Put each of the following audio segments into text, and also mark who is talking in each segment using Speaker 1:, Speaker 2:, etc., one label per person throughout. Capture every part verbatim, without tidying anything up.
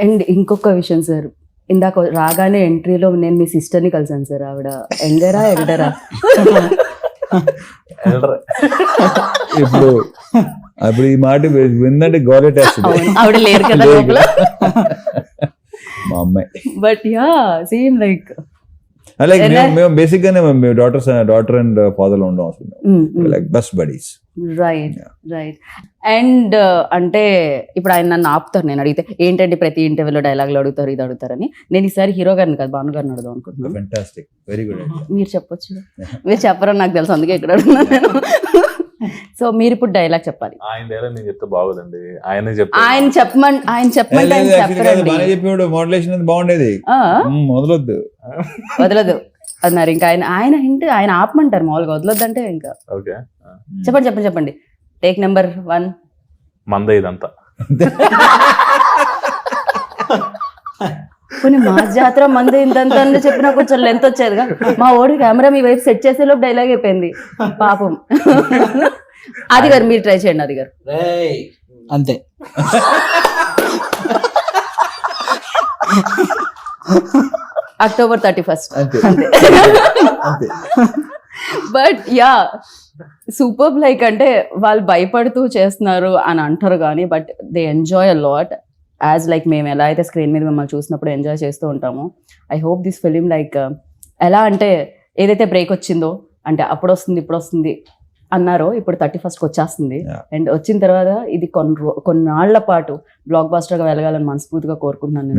Speaker 1: And ఇంకొక విషయం sir, ఇందాక రాగానే ఎంట్రీలో నేను మీ సిస్టర్ని కలిసాను సార్. ఆవిడ యంగరా ఎల్డరా?
Speaker 2: ఇప్పుడు అప్పుడు ఈ మాట విందంటే గౌరవేస్తుంది.
Speaker 1: ఆవిడ లేరు కదా లోపల.
Speaker 2: మా అమ్మాయి.
Speaker 1: But ya same like
Speaker 2: like మేము బేసిక్ గానే మేము డాటర్స్ డాటర్ అండ్ ఫాదర్ లో ఉండం అసలు like best buddies.
Speaker 1: Right right. And అంటే ఇప్పుడు ఆయన నన్ను ఆపుతారు నేను అడిగితే, ఏంటంటే ప్రతి ఇంటర్వ్యూలో డైలాగులు అడుగుతారు ఇది అడుగుతారని. నేను ఈసారి హీరో గారిని కాదు భాను గారిని అడుగుదాం అనుకుంటున్నాను.
Speaker 2: Fantastic, very good.
Speaker 1: మీరు చెప్పొచ్చు, మీరు చెప్పరని నాకు తెలుసు, అందుకే ఇక్కడ అడుగుతున్నాను నేను. సో మీరు ఇప్పుడు డైలాగ్ చెప్పాలి.
Speaker 3: ఆయన డైలాగ్ నేను చెప్తే బాగోదండి, ఆయన చెప్తే
Speaker 1: ఆయన చెప్పమని ఆయన చెప్పమంటే ఆయన చెప్పరండి.
Speaker 2: చెప్పేవాడు మోడలేషన్ అది బాగుండేది. వదలొద్దు
Speaker 1: వదలదు అన్నారు. ఇంకా ఆయన ఆయన ఇంటి ఆయన ఆపమంటారు మామూలుగా, వదలొద్దు అంటే ఇంకా
Speaker 3: ఓకే
Speaker 1: చెప్పండి చెప్పండి చెప్పండి. Take number one.
Speaker 3: మందే ఇదంతా.
Speaker 1: కొన్ని మా జాతర మంది ఇంతంత చెప్పినా కొంచెం లెంత్ వచ్చేదిగా. మా ఓడి కెమెరా మీ వైపు సెట్ చేసే లోపు డైలాగ్ అయిపోయింది పాపం. అది గారు మీరు ట్రై చేయండి. అది గారు
Speaker 4: అంతే.
Speaker 1: అక్టోబర్ థర్టీ ఫస్ట్
Speaker 2: అంతే.
Speaker 1: అంతే. But yeah super. లైక్ అంటే వాళ్ళు భయపడుతూ చేస్తున్నారు అని అంటారు కానీ but they enjoy a lot as like మేము ఎలా అయితే స్క్రీన్ మీద మిమ్మల్ని చూసినప్పుడు ఎంజాయ్ చేస్తూ ఉంటాము. I hope this film like ఎలా అంటే ఏదైతే బ్రేక్ వచ్చిందో అంటే అప్పుడు వస్తుంది ఇప్పుడు వస్తుంది అన్నారో ఇప్పుడు థర్టీ ఫస్ట్కి వచ్చేస్తుంది. అండ్ వచ్చిన తర్వాత ఇది కొన్ని రో కొన్నాళ్ల పాటు బ్లాక్ బాస్టర్గా వెళ్ళగాలని మనస్ఫూర్తిగా కోరుకుంటున్నాను.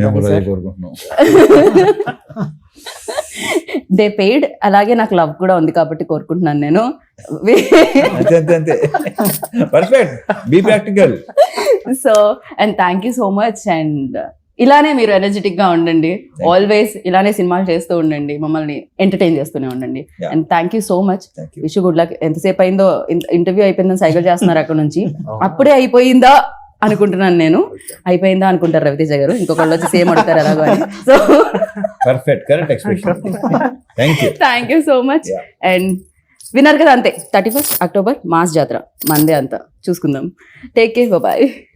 Speaker 1: దే పెయిడ్, అలాగే నాకు లవ్ కూడా ఉంది కాబట్టి కోరుకుంటున్నాను నేను. So and thank you so much. And ఇలానే మీరు ఎనర్జెటిక్ గా ఉండండి, ఆల్వేస్ ఇలానే సినిమాలు చేస్తూ ఉండండి, మమ్మల్ని ఎంటర్టైన్ చేస్తూనే ఉండండి. And thank you so much. Wish good luck. ఎంతసేపు అయిందో ఇంటర్వ్యూ అయిపోయిందని సైకిల్ చేస్తున్నారు అక్కడ నుంచి. అప్పుడే అయిపోయిందా అనుకుంటున్నాను నేను. అయిపోయిందా అనుకుంటారు రవితేజ గారు, ఇంకొకళ్ళు వచ్చి సేమ్ అడుగుతారు ఎలాగో అని. So
Speaker 2: perfect, correct expression. Thank you
Speaker 1: thank you so much. And విన్నారు కదా, అంతే థర్టీ ఫస్ట్ అక్టోబర్ మాస్ జాతర మందే అంతా చూసుకుందాం. Take care, bye.